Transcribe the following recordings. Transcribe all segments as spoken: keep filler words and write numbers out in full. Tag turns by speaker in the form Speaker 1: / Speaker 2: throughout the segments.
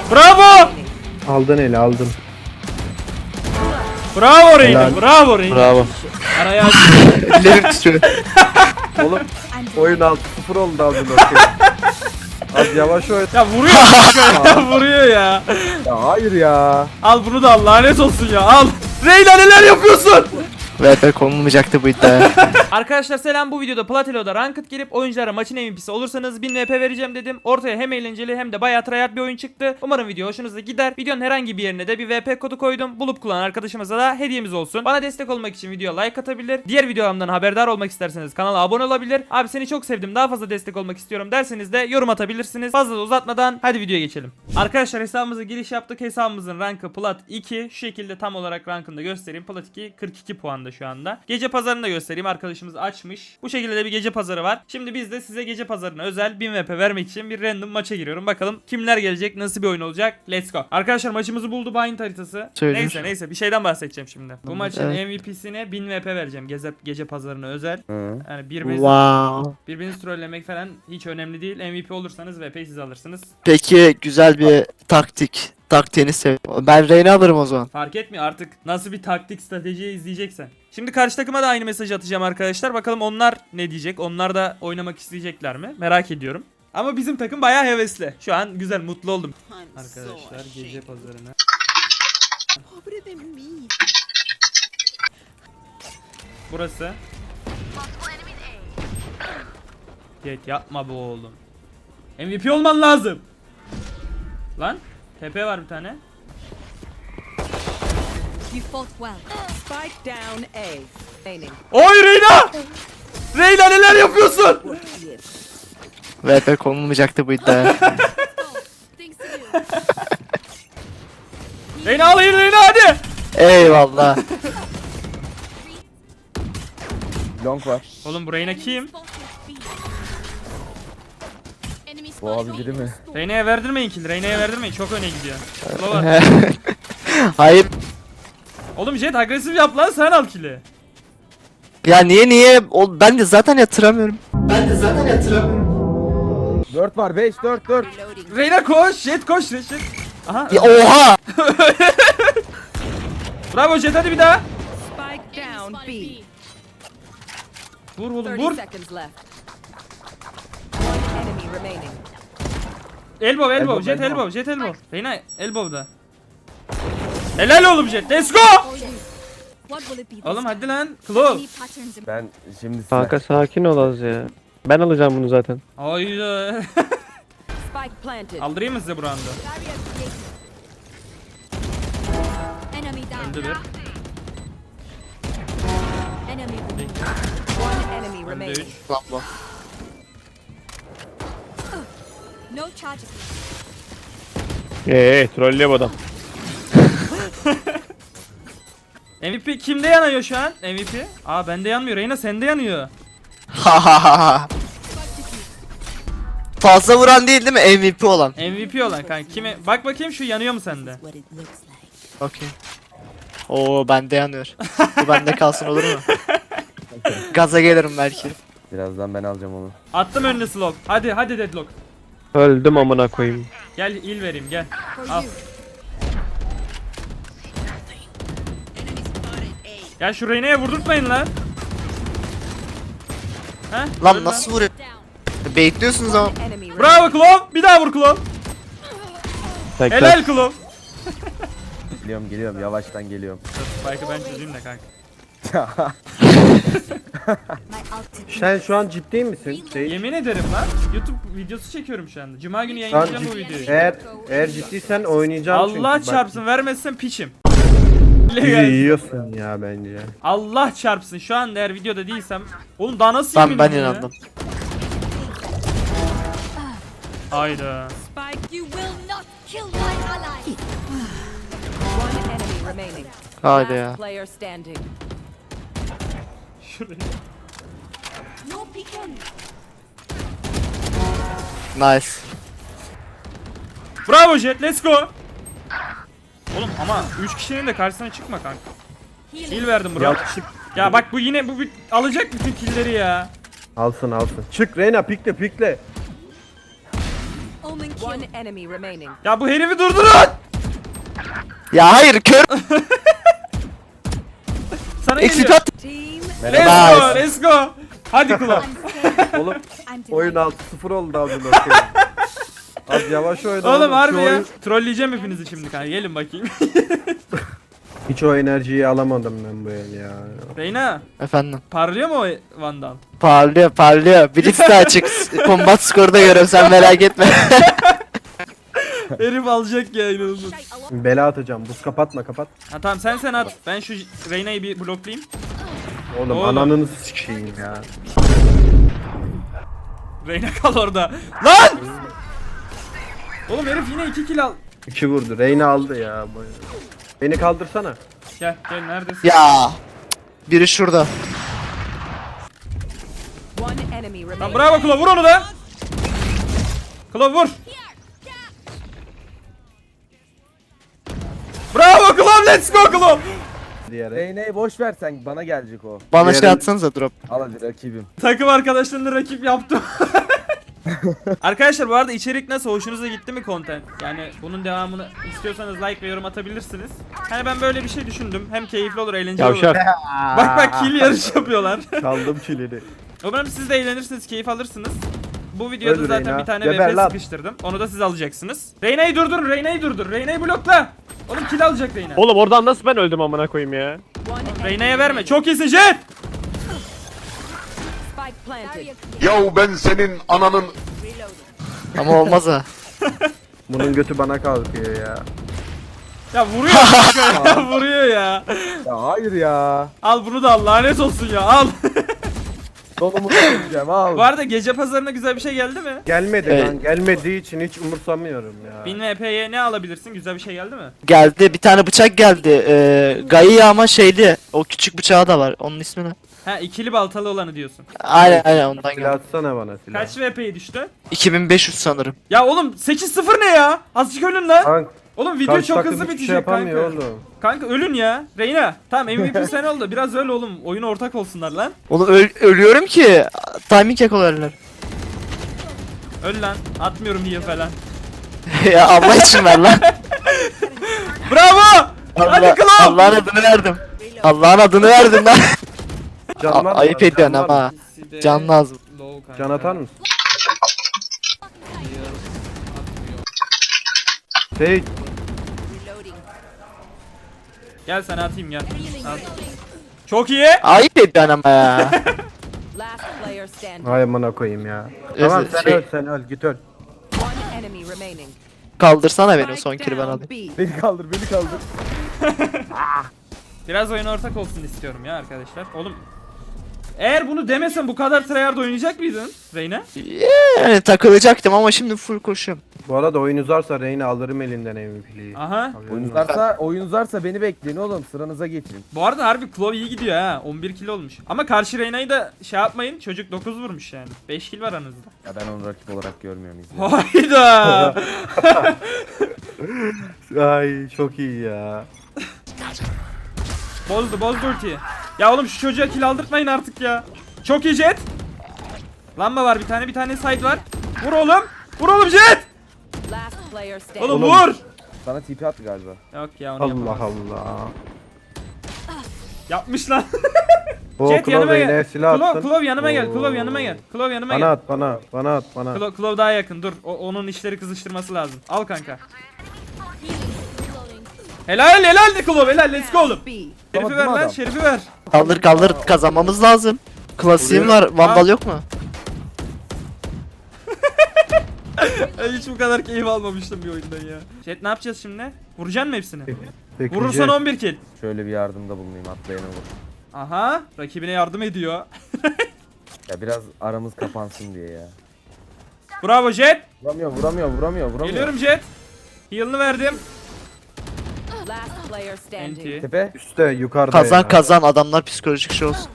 Speaker 1: Bravo.
Speaker 2: Aldın eli aldın.
Speaker 1: Bravo Reyna. Bravo Reyna.
Speaker 3: Bravo.
Speaker 1: Araya aç.
Speaker 3: Ellerim titriyor.
Speaker 2: Oğlum oyun altı sıfır oldu az önce. Az yavaş oyun.
Speaker 1: Ya vuruyor. ya vuruyor ya.
Speaker 2: Ya hayır ya.
Speaker 1: Al bunu da al. Lanet olsun ya. Al. Reyna neler yapıyorsun?
Speaker 3: V P konulmayacaktı bu iddia.
Speaker 1: Arkadaşlar selam, bu videoda Platelo'da Ranked girip oyunculara maçın M V P'si olursanız bin V P vereceğim dedim. Ortaya hem eğlenceli hem de bayağı tryhard bir oyun çıktı. Umarım video hoşunuza gider. Videonun herhangi bir yerine de bir V P kodu koydum. Bulup kullanan arkadaşımıza da hediyemiz olsun. Bana destek olmak için videoya like atabilir. Diğer videolarımdan haberdar olmak isterseniz kanala abone olabilir. Abi seni çok sevdim, daha fazla destek olmak istiyorum derseniz de yorum atabilirsiniz. Fazla da uzatmadan hadi videoya geçelim. Arkadaşlar hesabımıza giriş yaptık. Hesabımızın rankı Plat iki. Şu şekilde tam olarak rankını da göstereyim. Plat iki kırk iki puanda şu anda. Gece pazarını da göstereyim. Arkadaşımız açmış. Bu şekilde de bir gece pazarı var. Şimdi biz de size gece pazarına özel bin V P vermek için bir random maça giriyorum. Bakalım kimler gelecek, nasıl bir oyun olacak. Let's go. Arkadaşlar maçımızı buldu Bind haritası.
Speaker 3: Söyle.
Speaker 1: Neyse neyse bir şeyden bahsedeceğim şimdi. Bu maçın
Speaker 3: Evet.
Speaker 1: M V P'sine bin V P vereceğim. Gece, gece pazarına özel.
Speaker 2: Hı.
Speaker 1: Yani birbirinizi,
Speaker 3: Wow.
Speaker 1: birbirinizi trollemek falan hiç önemli değil. M V P olursanız V P'yi siz alırsınız.
Speaker 3: Peki güzel bir taktik. Taktiğini sev. Ben Reyna alırım o zaman.
Speaker 1: Fark etmiyor artık nasıl bir taktik strateji izleyeceksen. Şimdi karşı takıma da aynı mesajı atacağım arkadaşlar. Bakalım onlar ne diyecek? Onlar da oynamak isteyecekler mi? Merak ediyorum. Ama bizim takım bayağı hevesli. Şu an güzel, mutlu oldum. Arkadaşlar gece pazarına. Burası. Jet yapma bu oğlum. M V P olman lazım. Lan T P var bir tane.
Speaker 4: You fought well. Spike down A. Remaining.
Speaker 1: Oy Reyna! Reyna neler yapıyorsun?
Speaker 3: V P konulmayacaktı bu iddia.
Speaker 4: Things to do.
Speaker 1: Reyna alayım Reyna hadi.
Speaker 3: Eyvallah.
Speaker 2: Long var.
Speaker 1: Oğlum bu Reyna kim?
Speaker 2: Bu abi biri mi?
Speaker 1: Reyna'ya verdirmeyin kill. Reyna'ya verdirmeyin. Çok öne gidiyor. Slow var.
Speaker 3: Hayır.
Speaker 1: Oğlum Jet agresif yap lan, sen al kill'i.
Speaker 3: Ya niye niye? O, ben de zaten yatıramıyorum. Ben de zaten yatıramıyorum.
Speaker 2: dört var beş dört dört.
Speaker 4: Reloading.
Speaker 1: Reyna koş. Jet koş. Jet. Jet. Aha.
Speaker 3: Ya oha!
Speaker 1: Bravo Jet, hadi bir daha.
Speaker 4: Spike down B.
Speaker 1: Vur oğlum
Speaker 4: thirty
Speaker 1: vur.
Speaker 4: seconds left. One enemy remaining.
Speaker 1: Elbow elbow.
Speaker 2: Elbow,
Speaker 1: Jet
Speaker 2: elbow.
Speaker 1: elbow. Jet elbow. Reyna elbow'da. Helal oğlum Jet. Let's go.
Speaker 4: What will it be this
Speaker 1: Oğlum
Speaker 4: time?
Speaker 1: hadi lan. Claw.
Speaker 4: Any patterns in
Speaker 2: Ben şimdi size.
Speaker 5: Kanka sakin ol az ya. Ben alacağım bunu zaten.
Speaker 1: Hayda.
Speaker 4: Spike planted.
Speaker 1: Aldırayım mı size bu round'u?
Speaker 4: Barrier created. Enemy down.
Speaker 1: Öldü bir.
Speaker 4: Enemy removed. One enemy
Speaker 1: Öldü
Speaker 4: remaining.
Speaker 1: üç.
Speaker 3: Lan bu.
Speaker 4: No charges.
Speaker 5: Eee trollüyor bu adam.
Speaker 1: M V P kimde yanıyor şu an? M V P? Aa bende yanmıyor. Reyna sende yanıyor.
Speaker 3: Ha ha ha ha. Fazla vuran değil değil mi? M V P olan.
Speaker 1: M V P olan kanka. Kime? Bak bakayım şu yanıyor mu sende?
Speaker 3: Okey. Oo bende yanıyor. Bu bende kalsın olur mu? Gaza gelirim belki.
Speaker 2: Birazdan ben alacağım onu.
Speaker 1: Attım önüne slow. Hadi hadi deadlock.
Speaker 5: Öldüm amına koyayım.
Speaker 1: Gel il vereyim gel.
Speaker 4: For
Speaker 1: Al.
Speaker 4: you.
Speaker 1: Gel şu Reyna'ya vurdurtmayın lan. Heh,
Speaker 3: Lan
Speaker 1: öl
Speaker 3: nasıl vuruyor? Bekliyorsunuz ama.
Speaker 4: One enemy remaining.
Speaker 1: Bravo Klov. Bir daha vur Klov.
Speaker 5: Tekrar.
Speaker 1: Helal Klov.
Speaker 2: Geliyorum geliyorum yavaştan geliyorum.
Speaker 1: Spike'ı ben çözeyim de kanka.
Speaker 4: My ultimate.
Speaker 2: Sen şu an ciddi misin? Şey,
Speaker 1: Yemin ederim lan. YouTube videosu çekiyorum şu anda. Cuma günü
Speaker 2: şu an
Speaker 1: yayınlayacağım bu
Speaker 2: ciddi.
Speaker 1: videoyu.
Speaker 2: Eğer, eğer ciddiysen oynayacağım çünkü.
Speaker 1: Allah
Speaker 2: Bak,
Speaker 1: çarpsın, vermezsen piçim.
Speaker 2: iyi yiyorsun ya bence.
Speaker 1: Allah çarpsın, şu anda eğer videoda değilsem. Oğlum daha nasıl
Speaker 3: Tamam ben
Speaker 1: yemin ya?
Speaker 3: inandım.
Speaker 1: Hayda.
Speaker 4: Spike. You will not kill my ally. One enemy remaining.
Speaker 3: Haydi
Speaker 4: Last
Speaker 3: ya.
Speaker 4: player standing.
Speaker 1: Şuraya.
Speaker 4: No peeking.
Speaker 3: Nice.
Speaker 1: Bravo Jet, let's go. Oğlum ama üç kişinin de karşısına çıkma kanka. Kill verdim bro.
Speaker 2: Ya çık.
Speaker 1: Ya bak bu yine bu bir- alacak bütün killleri ya.
Speaker 2: Alsın alsın. Çık Reyna pikle pikle.
Speaker 4: Omen kill. One enemy remaining.
Speaker 1: Ya bu herifi durdurun.
Speaker 3: Ya hayır kör.
Speaker 1: Sana
Speaker 3: Eksik
Speaker 1: geliyor.
Speaker 3: at.
Speaker 4: Team.
Speaker 1: Let's go,
Speaker 3: Nice.
Speaker 1: let's go. Hadi Klo.
Speaker 2: Oğlum oyun altı sıfır oldu amına koyayım. Az yavaş oyna.
Speaker 1: Oğlum harbi
Speaker 2: Şu
Speaker 1: ya.
Speaker 2: oyun-
Speaker 1: Trolleyeceğim hepinizi şimdi kanka. Gelin bakayım.
Speaker 2: Hiç o enerjiyi alamadım ben bu el ya.
Speaker 1: Reyna,
Speaker 3: Efendim.
Speaker 1: parlıyor mu o Vandal?
Speaker 3: Parlıyor parlıyor. Blitz de açık. Combat skoru da görüyorum sen merak etme.
Speaker 1: Herif alacak ya inanılmaz.
Speaker 2: Bela atacağım. Buz kapatma kapat.
Speaker 1: Ha tamam sen sen at. Ben şu Reyna'yı bir bloklayayım.
Speaker 2: Oğlum,
Speaker 1: Oğlum.
Speaker 2: ananı sikeyim ya.
Speaker 1: Reyna kal orada. Lan! Oğlum herif yine iki kill al.
Speaker 2: İki vurdu. Reyna aldı ya. Beni kaldırsana.
Speaker 1: Gel gel neredesin?
Speaker 3: Ya. Biri şurada.
Speaker 4: One enemy remaining.
Speaker 1: Lan bravo Klo vur onu da. Klo vur. Bravo Klo, let's go Klo.
Speaker 2: Diyerek.
Speaker 6: Reyne'yi boş ver sen bana gelecek o.
Speaker 3: Bana şey
Speaker 2: Diğeri-
Speaker 3: atsanıza drop.
Speaker 6: Al hadi rakibim.
Speaker 1: Takım arkadaşlarını rakip yaptım. Arkadaşlar bu arada içerik nasıl? Hoşunuza gitti mi content? Yani bunun devamını istiyorsanız like ve yorum atabilirsiniz. Hani ben böyle bir şey düşündüm. Hem keyifli olur, eğlenceli olur.
Speaker 5: Yavşak.
Speaker 1: Bak bak kill yarış yapıyorlar.
Speaker 2: Çaldım kilini.
Speaker 1: Umarım siz de eğlenirsiniz, keyif alırsınız. Bu videoda
Speaker 2: Öldür
Speaker 1: zaten
Speaker 2: Reyna.
Speaker 1: bir tane
Speaker 2: Geber
Speaker 1: V P
Speaker 2: lan.
Speaker 1: sıkıştırdım. Onu da siz alacaksınız. Reyna'yı durdur, Reyna'yı durdur. Reyna'yı blokla. Oğlum kill alacak Reyna.
Speaker 5: Oğlum oradan nasıl ben öldüm amına koyayım ya?
Speaker 4: One enemy
Speaker 1: Reyna'ya verme.
Speaker 4: remaining.
Speaker 1: Çok iyisin Jet.
Speaker 4: Spike planted.
Speaker 7: Yahu ben senin ananın
Speaker 3: Ama olmaz ha.
Speaker 2: Bunun götü bana kalkıyor ya.
Speaker 1: Ya vuruyor. ya, vuruyor ya.
Speaker 6: Ya hayır ya.
Speaker 1: Al bunu da al. Lanet olsun ya. Al.
Speaker 6: Donumu söyleyeceğim al.
Speaker 1: Bu arada gece pazarına güzel bir şey geldi mi?
Speaker 2: Gelmedi
Speaker 3: Evet.
Speaker 2: lan. Gelmediği için hiç umursamıyorum ya.
Speaker 1: bin V P'ye ne alabilirsin? Güzel bir şey geldi mi?
Speaker 3: Geldi bir tane bıçak geldi. Ee, Gaia ama şeydi. O küçük bıçağı da var. Onun ismi ne?
Speaker 1: Ha ikili baltalı olanı diyorsun.
Speaker 3: Aynen aynen ondan
Speaker 2: Silah
Speaker 3: geldi.
Speaker 2: atsana bana silah.
Speaker 1: Kaç V P'ye düştü?
Speaker 3: iki bin beş yüz sanırım.
Speaker 1: Ya oğlum sekiz sıfır ne ya? Azıcık ölün lan.
Speaker 2: Kanka,
Speaker 1: Oğlum video
Speaker 2: karşı
Speaker 1: çok
Speaker 2: takım
Speaker 1: hızlı
Speaker 2: hiçbir
Speaker 1: bitecek
Speaker 2: şey yapamıyor
Speaker 1: kanka.
Speaker 2: oğlum.
Speaker 1: Kanka ölün ya. Reyna. Tamam M V P sen oldu. Biraz öyle oğlum. Oyuna ortak olsunlar lan.
Speaker 3: Oğlum öl- ölüyorum ki. Timing yakalarlar.
Speaker 1: Öl lan. Atmıyorum heal falan.
Speaker 3: Ya Allah için ver lan.
Speaker 1: Bravo! Hadi
Speaker 3: Allah,
Speaker 1: Klo!
Speaker 3: Allah'ın adını verdim. Allah'ın adını verdim lan.
Speaker 2: Can
Speaker 3: A-
Speaker 2: var mı?
Speaker 3: ayıp
Speaker 2: Can
Speaker 3: ediyorsun
Speaker 2: var mı?
Speaker 3: ama. Can lazım.
Speaker 2: Can atar mısın? Şey,
Speaker 4: Reloading.
Speaker 1: Gel sana atayım gel. Al. Çok iyi.
Speaker 3: Ayıp ediyorsun ama ya.
Speaker 4: Last player standing.
Speaker 2: ay amına koyayım ya. Tamam sen
Speaker 3: Şey-
Speaker 2: öl sen öl git öl.
Speaker 4: One enemy remaining.
Speaker 3: Kaldırsana beni son
Speaker 4: Spike
Speaker 3: kiri ben
Speaker 4: down
Speaker 3: alayım.
Speaker 4: B.
Speaker 6: Beni kaldır beni kaldır.
Speaker 1: Biraz oyuna ortak olsun istiyorum ya arkadaşlar. Oğlum eğer bunu demesen bu kadar tryhard oynayacak mıydın Reyna?
Speaker 3: Yani takılacaktım ama şimdi full koşuyorum.
Speaker 2: Bu arada oyun uzarsa Reyna alırım elinden M V P'liyi.
Speaker 1: Aha.
Speaker 6: Oyun uzarsa, oyun uzarsa beni bekleyin oğlum sıranıza geçin.
Speaker 1: Bu arada harbi Claw iyi gidiyor ha. on bir kill olmuş. Ama karşı Reyna'yı da şey yapmayın. Çocuk dokuz vurmuş yani. beş kill var aranızda.
Speaker 6: Ya ben onu rakip olarak görmüyorum izleyin.
Speaker 1: Hayda.
Speaker 2: Ay çok iyi ya.
Speaker 1: Bozdu bozdu ultiyi. Ya oğlum şu çocuğa kill aldırtmayın artık ya. Çok iyi Jet. Lamba var bir tane bir tane side var. Vur oğlum. Vur oğlum Jet.
Speaker 4: Last player standing.
Speaker 1: Oğlum,
Speaker 2: Oğlum.
Speaker 1: vur.
Speaker 6: Sana T P attı galiba.
Speaker 1: Yok ya onu
Speaker 2: Allah
Speaker 1: yapamaz.
Speaker 2: Allah.
Speaker 1: Yapmış lan.
Speaker 2: O
Speaker 1: Jet yanıma
Speaker 2: Klov
Speaker 1: gel.
Speaker 2: Reyna'ya silah
Speaker 1: Klov,
Speaker 2: attın.
Speaker 1: Klov yanıma gel.
Speaker 2: Oo.
Speaker 1: Klov yanıma gel. Klov yanıma
Speaker 2: Bana
Speaker 1: gel.
Speaker 2: at bana bana at bana.
Speaker 1: Klov, Klov daha yakın dur. O, onun işleri kızıştırması lazım. Al kanka. Helal helal de Klov helal let's go oğlum.
Speaker 4: B.
Speaker 1: Şerifi
Speaker 6: Tamam,
Speaker 1: ver
Speaker 6: değil mi
Speaker 1: lan
Speaker 6: adam?
Speaker 1: şerifi ver.
Speaker 3: Kaldır kaldır kazanmamız lazım. Klasiğim var. Vandal yok mu?
Speaker 1: Ben hiç bu kadar keyif almamıştım bir oyundan ya. Jet ne yapacağız şimdi? Vuracaksın mı hepsini?
Speaker 2: Peki,
Speaker 1: Vurursan
Speaker 2: Jet.
Speaker 1: on bir kill.
Speaker 6: Şöyle bir yardımda bulunayım atlayana vur.
Speaker 1: Aha rakibine yardım ediyor.
Speaker 6: Ya biraz aramız kapansın diye ya.
Speaker 1: Bravo Jet.
Speaker 6: Vuramıyor vuramıyor vuramıyor vuramıyor.
Speaker 1: Geliyorum Jet. Heal'ını verdim.
Speaker 4: Last player standing.
Speaker 1: Enti.
Speaker 6: Tepe.
Speaker 2: Üste yukarıda
Speaker 3: Kazan
Speaker 2: ya.
Speaker 3: kazan adamlar psikolojik şey olsun.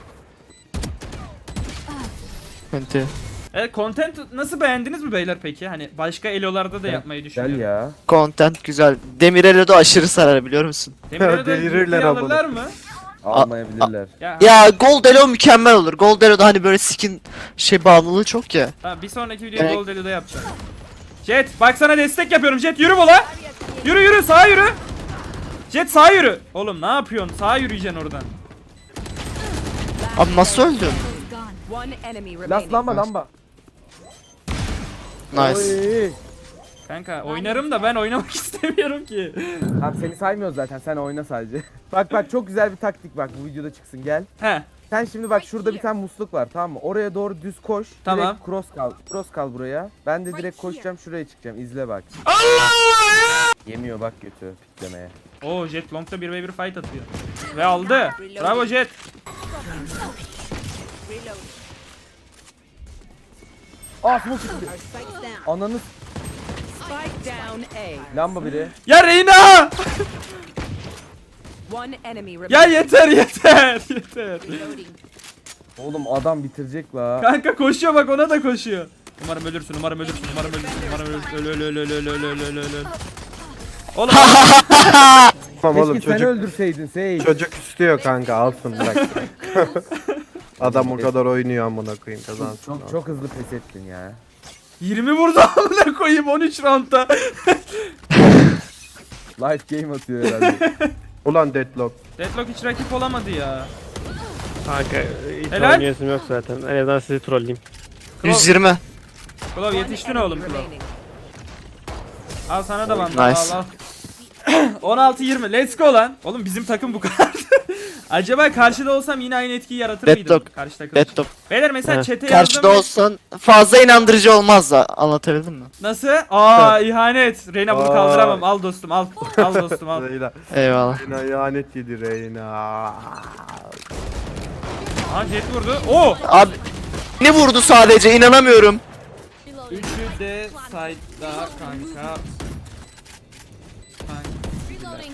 Speaker 3: Enti.
Speaker 1: Evet content nasıl beğendiniz mi beyler peki? Hani başka elolarda da yapmayı
Speaker 6: Gel
Speaker 1: düşünüyorum.
Speaker 6: ya.
Speaker 3: Content güzel. Demirel'e de aşırı sarar biliyor musun?
Speaker 1: Demir'e de
Speaker 2: Delirirler
Speaker 1: ciddiye
Speaker 2: ama.
Speaker 1: alırlar mı?
Speaker 6: Almayabilirler.
Speaker 1: Ya,
Speaker 3: Ya Gold Elo mükemmel olur. Gold Elo'da hani böyle skin şey bağımlılığı çok ya.
Speaker 1: Tamam bir sonraki videoda
Speaker 3: Evet.
Speaker 1: Gold Elo'da yapacağım. Jet bak sana destek yapıyorum. Jet yürü bola. Yürü yürü sağa yürü. Jet sağa yürü. Oğlum ne yapıyorsun? Sağa yürüyeceksin oradan.
Speaker 3: Abi nasıl öldün?
Speaker 4: One enemy
Speaker 6: Las
Speaker 4: remaining.
Speaker 6: lamba lamba.
Speaker 3: Nice.
Speaker 6: Oy.
Speaker 1: Kanka oynarım da ben oynamak istemiyorum ki.
Speaker 6: Tamam seni saymıyoruz zaten, sen oyna sadece. Bak bak çok güzel bir taktik, bak bu videoda çıksın, gel.
Speaker 1: He.
Speaker 6: Sen şimdi bak şurada bir tane musluk var, tamam mı? Oraya doğru düz koş.
Speaker 1: Tamam.
Speaker 6: Direkt cross kal. Cross kal buraya. Ben de direkt koşacağım şuraya çıkacağım. İzle bak. Yemiyor bak götü piklemeye.
Speaker 1: Oo Jet long'da bir ve bir fight atıyor. Ve aldı. Bravo Jet.
Speaker 6: Aa smoke çıktı.
Speaker 4: Spikes down.
Speaker 6: Ananı s-
Speaker 4: Spike down A.
Speaker 6: lamba biri.
Speaker 1: Ya Reyna!
Speaker 4: One enemy remaining.
Speaker 1: Ya yeter yeter yeter.
Speaker 4: Reloading.
Speaker 6: Oğlum adam bitirecek la.
Speaker 1: Kanka koşuyor bak ona da koşuyor. Umarım ölürsün, umarım ölürsün, umarım ölürsün, umarım ölürsün. Öl öl öl öl öl öl öl öl öl öl. Oğlum
Speaker 2: Tamam
Speaker 6: Keşke
Speaker 2: oğlum
Speaker 6: sen
Speaker 2: çocuk.
Speaker 6: öldürseydin Seyit.
Speaker 2: Çocuk istiyor kanka, alsın bırak. Adam o kadar oynuyor amına koyayım, kazansın.
Speaker 6: Çok çok hızlı pes ettin ya.
Speaker 1: yirmi vurdu amına koyayım on üç roundda.
Speaker 6: Life game atıyor herhalde.
Speaker 2: Ulan Deadlock.
Speaker 1: Deadlock hiç rakip olamadı ya.
Speaker 5: Kanka hiç
Speaker 1: Helal.
Speaker 5: oynayasım yok zaten. En azından sizi trolleyeyim.
Speaker 3: yüz yirmi.
Speaker 1: Klov yetiştin
Speaker 4: One
Speaker 1: oğlum
Speaker 4: enemy
Speaker 1: Klov.
Speaker 4: remaining.
Speaker 1: Al sana da vandal
Speaker 3: Nice.
Speaker 1: al al. on altı yirmi let's go lan. Oğlum bizim takım bu kadar. Acaba karşıda olsam yine aynı etkiyi yaratır mıydım?
Speaker 3: Deadlock.
Speaker 1: Karşı takım.
Speaker 3: Deadlock.
Speaker 1: Beyler mesela
Speaker 5: He.
Speaker 1: chat'e
Speaker 3: Karşıda
Speaker 1: yazdım.
Speaker 3: olsan fazla inandırıcı olmaz da, anlatabildim mi?
Speaker 1: Nasıl? Aa ihanet. Reyna bunu
Speaker 2: Aa.
Speaker 1: kaldıramam. Al dostum al. Al dostum al.
Speaker 2: Reyna.
Speaker 3: Eyvallah.
Speaker 2: Reyna ihanet yedi Reyna.
Speaker 1: Aha jet vurdu. Oo.
Speaker 3: Abi ne vurdu sadece, inanamıyorum.
Speaker 1: Üçü de side'da kanka. Kanka.
Speaker 4: Reloading.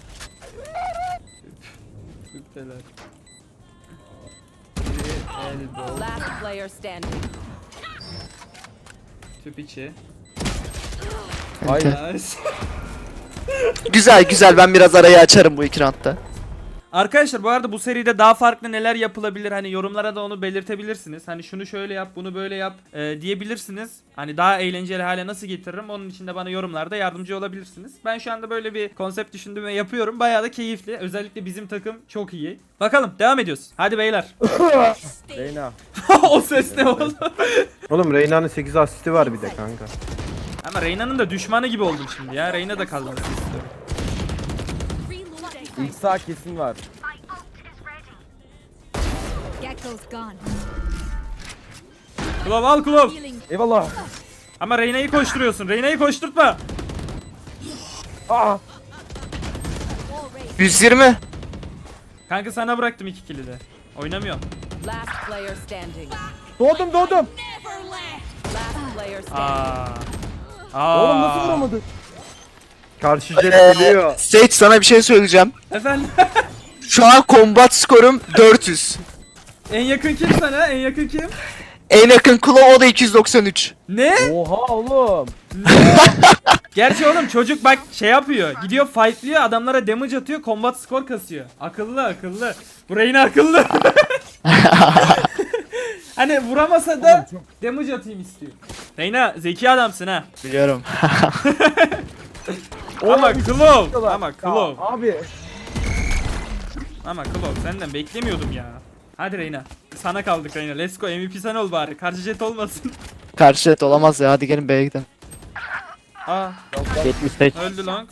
Speaker 1: Tüpteler. Biri elbow.
Speaker 4: Last player standing.
Speaker 1: Tüp içi.
Speaker 6: Hayır.
Speaker 1: Nice.
Speaker 3: Güzel güzel, ben biraz arayı açarım bu iki roundda.
Speaker 1: Arkadaşlar bu arada bu seride daha farklı neler yapılabilir, hani yorumlara da onu belirtebilirsiniz. Hani şunu şöyle yap, bunu böyle yap e, diyebilirsiniz. Hani daha eğlenceli hale nasıl getiririm, onun için de bana yorumlarda yardımcı olabilirsiniz. Ben şu anda böyle bir konsept düşündüm ve yapıyorum. Bayağı da keyifli. Özellikle bizim takım çok iyi. Bakalım devam ediyoruz. Hadi beyler.
Speaker 6: Reyna.
Speaker 1: O ses ne oldu?
Speaker 2: Oğlum Reyna'nın sekiz asisti var bir de kanka.
Speaker 1: Ama Reyna'nın da düşmanı gibi oldum şimdi ya. Reyna da kazanmak istiyorum.
Speaker 4: Reloading.
Speaker 6: İlk sağ kesin var.
Speaker 4: Gecko's gone.
Speaker 1: Klov al Klov.
Speaker 4: Healing.
Speaker 6: Eyvallah.
Speaker 1: Ama Reyna'yı koşturuyorsun. Reyna'yı koşturtma.
Speaker 6: Aa.
Speaker 3: yüz yirmi.
Speaker 1: Kanka sana bıraktım iki kili de. Oynamıyorum.
Speaker 4: Last player standing.
Speaker 6: Doğdum doğdum.
Speaker 4: Last player standing.
Speaker 1: Aa. Aa.
Speaker 6: Oğlum nasıl vuramadı?
Speaker 2: Karşı jet biliyor.
Speaker 3: Sage, sana bir şey söyleyeceğim.
Speaker 1: Efendim.
Speaker 3: Şu an combat skorum dört yüz.
Speaker 1: En yakın kim sana? En yakın kim?
Speaker 3: En yakın Claw, o da iki yüz doksan üç.
Speaker 1: Ne?
Speaker 6: Oha oğlum.
Speaker 1: Gerçi oğlum çocuk bak şey yapıyor. Gidiyor fightlıyor, adamlara damage atıyor, combat skor kasıyor. Akıllı akıllı. Bu Reyna akıllı. Hani vuramasa da damage atayım istiyor. Reyna zeki adamsın ha.
Speaker 3: Biliyorum.
Speaker 1: Ama Klov.
Speaker 6: Diyorlar.
Speaker 1: Ama
Speaker 6: Ya
Speaker 1: Klov.
Speaker 6: Abi.
Speaker 1: Ama Klov senden beklemiyordum ya. Hadi Reyna. Sana kaldık Reyna. Let's go. M V P sen ol bari. Karşı jet olmasın.
Speaker 3: Karşı et olamaz ya, hadi gelin B'ye gidelim.
Speaker 1: Aa.
Speaker 5: yetmiş sekiz.
Speaker 1: Öldü lan.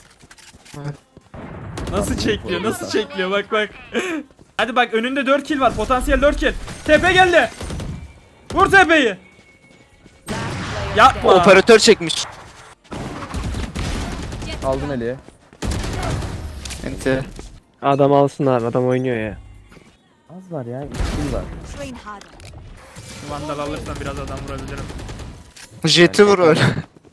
Speaker 1: Nasıl çekliyor? Nasıl çekliyor? Bak bak. Hadi bak önünde dört kill var. Potansiyel dört kill. Tepe geldi. Vur tepeyi.
Speaker 4: Last player
Speaker 1: Yapma.
Speaker 3: Operatör çekmiş.
Speaker 6: Aldın Ali'ye.
Speaker 3: Enti.
Speaker 5: Adam alsın abi, adam oynuyor ya.
Speaker 6: Az var ya. İki var.
Speaker 4: Train harder.
Speaker 1: Vandal alırsam biraz adam vurabilirim.
Speaker 3: Jet'i vur öyle.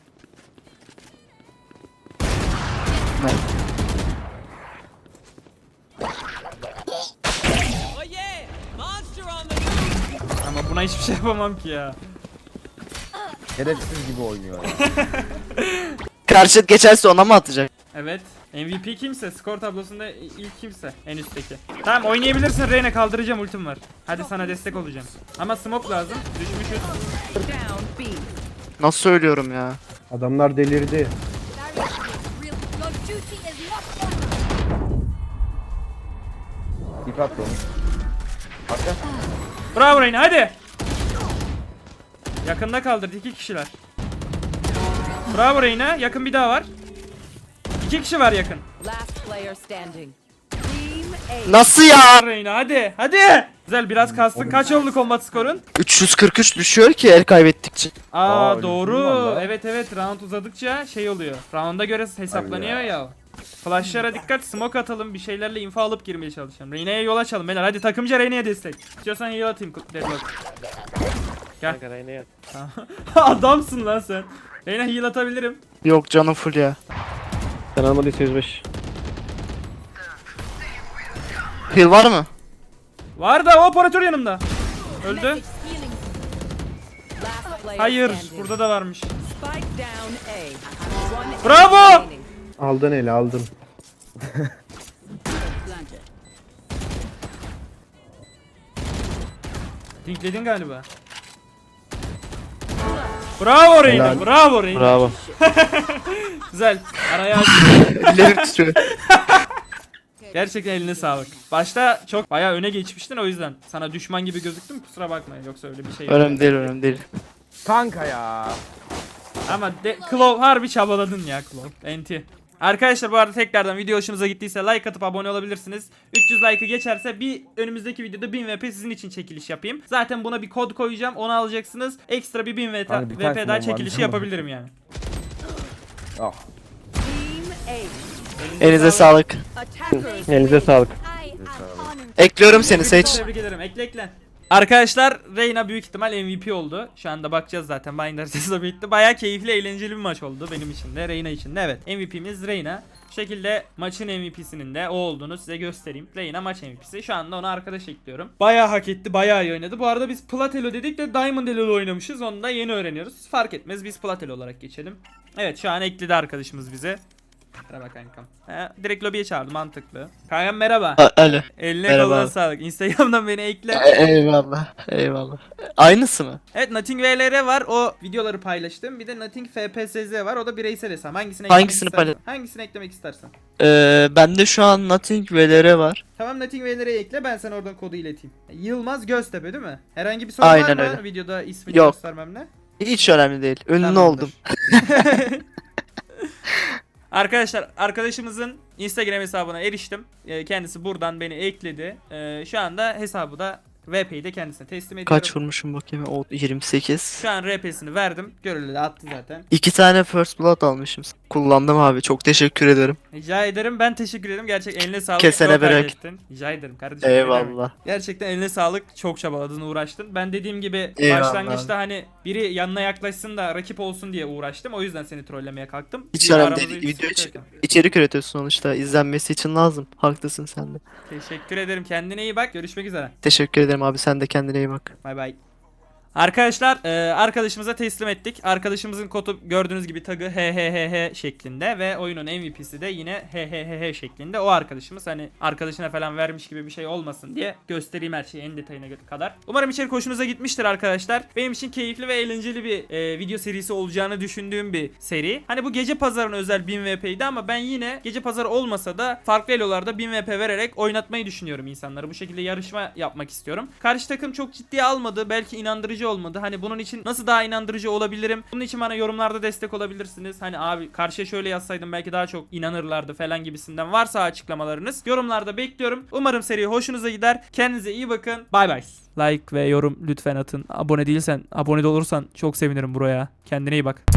Speaker 1: Ama buna hiçbir şey yapamam ki ya.
Speaker 6: Şerefsiz gibi oynuyor ya.
Speaker 3: Karşı et geçerse ona mı atacak?
Speaker 1: Evet. M V P kimse, skor tablosunda ilk kimse, en üstteki. Tamam oynayabilirsin Reyna, kaldıracağım, ultim var. Hadi sana destek olacağım. Ama smoke lazım. Düşmüşüz.
Speaker 4: Down B.
Speaker 3: Nasıl söylüyorum ya?
Speaker 2: Adamlar delirdi.
Speaker 4: There is real. Your duty is not done.
Speaker 6: İp attı onu. Arka.
Speaker 1: Bravo Reyna hadi. Yakında kaldırdı iki kişiler. Bravo Reyna, yakın bir daha var. İki kişi var yakın.
Speaker 4: Last player standing. Team A.
Speaker 3: Nasıl ya?
Speaker 1: Reyna hadi hadi. Güzel biraz kastın. Kaç oldu combat skorun?
Speaker 3: üç yüz kırk üç düşüyor ki el kaybettikçe.
Speaker 1: Aa,
Speaker 6: Aa,
Speaker 1: doğru.
Speaker 6: üzüldüm valla.
Speaker 1: Evet evet, round uzadıkça şey oluyor. Round'a göre hesaplanıyor
Speaker 6: Ay
Speaker 1: ya. Flashlara dikkat, smoke atalım, bir şeylerle info alıp girmeye çalışalım. Reyna'ya yol açalım beyler, hadi takımca Reyna'ya destek. İstiyorsan heal atayım Deadlock. Gel.
Speaker 5: Kanka Reyna yat.
Speaker 1: Adamsın lan sen. Reyna heal atabilirim.
Speaker 3: Yok canım full ya.
Speaker 5: Sen almadıysa yüz beş.
Speaker 3: Heal var mı?
Speaker 1: Var da o operatör yanımda. Öldü.
Speaker 4: Message healing. Last player
Speaker 1: Hayır,
Speaker 4: standing.
Speaker 1: burada da varmış.
Speaker 4: Spike down A. One
Speaker 1: Bravo!
Speaker 4: enemy remaining.
Speaker 2: Aldın eli aldın.
Speaker 4: Planted.
Speaker 1: Dinkledin galiba. Bravo Reyna,
Speaker 2: Helal.
Speaker 1: bravo Reyna.
Speaker 5: Bravo.
Speaker 1: Güzel. Araya aç.
Speaker 3: Ellerim titriyor.
Speaker 1: Gerçekten eline sağlık. Başta çok bayağı öne geçmiştin, o yüzden sana düşman gibi gözüktüm, kusura bakma, yoksa öyle bir şey yok.
Speaker 3: Önemli değil önemli değil.
Speaker 6: Kanka ya.
Speaker 1: Ama de, Claw harbi çabaladın ya Claw. Enti. Arkadaşlar bu arada tekrardan video hoşunuza gittiyse like atıp abone olabilirsiniz. üç yüz like'ı geçerse bir önümüzdeki videoda bin V P sizin için çekiliş yapayım. Zaten buna bir kod koyacağım, onu alacaksınız. Ekstra bir bin V P,
Speaker 6: Hani birkaç
Speaker 1: V P daha
Speaker 6: mod var,
Speaker 1: çekilişi
Speaker 6: tamam.
Speaker 1: yapabilirim yani.
Speaker 6: Ah.
Speaker 4: Team A.
Speaker 3: Elinize sağlık.
Speaker 4: Attackers.
Speaker 5: Elinize sağlık.
Speaker 4: I am honored.
Speaker 3: Ekliyorum seni Sage.
Speaker 1: Tebrik ederim. Ekle ekle. Arkadaşlar Reyna büyük ihtimal M V P oldu. Şu anda bakacağız zaten. Binder sesi bitti. Bayağı keyifli, eğlenceli bir maç oldu benim için de, Reyna için de. Evet. M V P'miz Reyna. Bu şekilde maçın M V P'sinin de o olduğunu size göstereyim. Reyna maç M V P'si. Şu anda ona arkadaş ekliyorum. Bayağı hak etti. Bayağı iyi oynadı. Bu arada biz Plat Elo dedik de Diamond Elo oynamışız. Onu da yeni öğreniyoruz. Fark etmez. Biz Plat Elo olarak geçelim. Evet, şu an ekledi arkadaşımız bize. Merhaba kankam. He, direkt lobiye çağırdı, mantıklı. Kankam merhaba.
Speaker 3: A- Alo.
Speaker 1: Eline
Speaker 3: Merhaba.
Speaker 1: koluna sağlık. Instagram'dan beni ekle.
Speaker 3: E- eyvallah. Eyvallah. Aynısı mı?
Speaker 1: Evet, Nothing V L R var. O videoları paylaştım. Bir de Nothing F P S Z var. O da bireysel hesap. Hangisini eklemek
Speaker 3: Hangisini
Speaker 1: istersen.
Speaker 3: paylaş-
Speaker 1: Hangisini eklemek istersen.
Speaker 3: Ee, bende şu an Nothing V L R var.
Speaker 1: Tamam, Nothing V L R'ye ekle. Ben sana oradan kodu ileteyim. Yılmaz Göztepe değil mi? Herhangi bir sorun
Speaker 3: Aynen
Speaker 1: var mı?
Speaker 3: öyle.
Speaker 1: Videoda ismini
Speaker 3: Yok.
Speaker 1: göstermemle.
Speaker 3: Hiç önemli değil. Ünlü
Speaker 1: Tamamdır.
Speaker 3: oldum.
Speaker 1: Arkadaşlar, arkadaşımızın Instagram hesabına eriştim. Ee, Kendisi buradan beni ekledi. Ee, Şu anda hesabı da V P'yi de kendisine teslim ediyorum.
Speaker 3: Kaç vurmuşum bakayım? O yirmi sekiz.
Speaker 1: Şu an R P'sini verdim. Görüldü de attı zaten.
Speaker 3: İki tane First Blood almışım. Kullandım abi. Çok teşekkür ederim.
Speaker 1: Rica ederim. Ben teşekkür ederim. Gerçek eline sağlık.
Speaker 3: Kesene
Speaker 1: Çok
Speaker 3: bereket.
Speaker 1: hallettin. Rica ederim kardeşim. ne demek.
Speaker 3: Eyvallah.
Speaker 1: Gerçekten eline sağlık. Çok çabaladın, uğraştın. Ben dediğim gibi
Speaker 3: Eyvallah.
Speaker 1: başlangıçta hani biri yanına yaklaşsın da rakip olsun diye uğraştım. O yüzden seni trollemeye kalktım.
Speaker 3: Hiç
Speaker 1: Bir
Speaker 3: önemli
Speaker 1: aramızda
Speaker 3: değil.
Speaker 1: bir
Speaker 3: Video
Speaker 1: sıkıntı
Speaker 3: için,
Speaker 1: yok.
Speaker 3: içerik üretiyorsun sonuçta. İzlenmesi için lazım. Haklısın sen de.
Speaker 1: Teşekkür ederim. Kendine iyi bak. Görüşmek üzere.
Speaker 3: Teşekkür ederim abi. Sen de kendine iyi bak.
Speaker 1: Bay bay. Arkadaşlar e, arkadaşımıza teslim ettik. Arkadaşımızın kodu gördüğünüz gibi tagı he he he he şeklinde ve oyunun M V P'si de yine he he he he şeklinde. O arkadaşımız, hani arkadaşına falan vermiş gibi bir şey olmasın diye göstereyim her şeyi en detayına kadar. Umarım içerik hoşunuza gitmiştir arkadaşlar. Benim için keyifli ve eğlenceli bir e, video serisi olacağını düşündüğüm bir seri. Hani bu gece pazarına özel bin V P'ydi ama ben yine gece pazarı olmasa da farklı elolarda bin V P vererek oynatmayı düşünüyorum insanları. Bu şekilde yarışma yapmak istiyorum. Karşı takım çok ciddiye almadı. Belki inandırıcı olmadı. Hani bunun için nasıl daha inandırıcı olabilirim? Bunun için bana yorumlarda destek olabilirsiniz. Hani abi karşıya şöyle yazsaydım belki daha çok inanırlardı falan gibisinden varsa açıklamalarınız yorumlarda bekliyorum. Umarım seri hoşunuza gider. Kendinize iyi bakın. Bay bay. Like ve yorum lütfen atın. Abone değilsen, abone de olursan çok sevinirim buraya. Kendine iyi bak.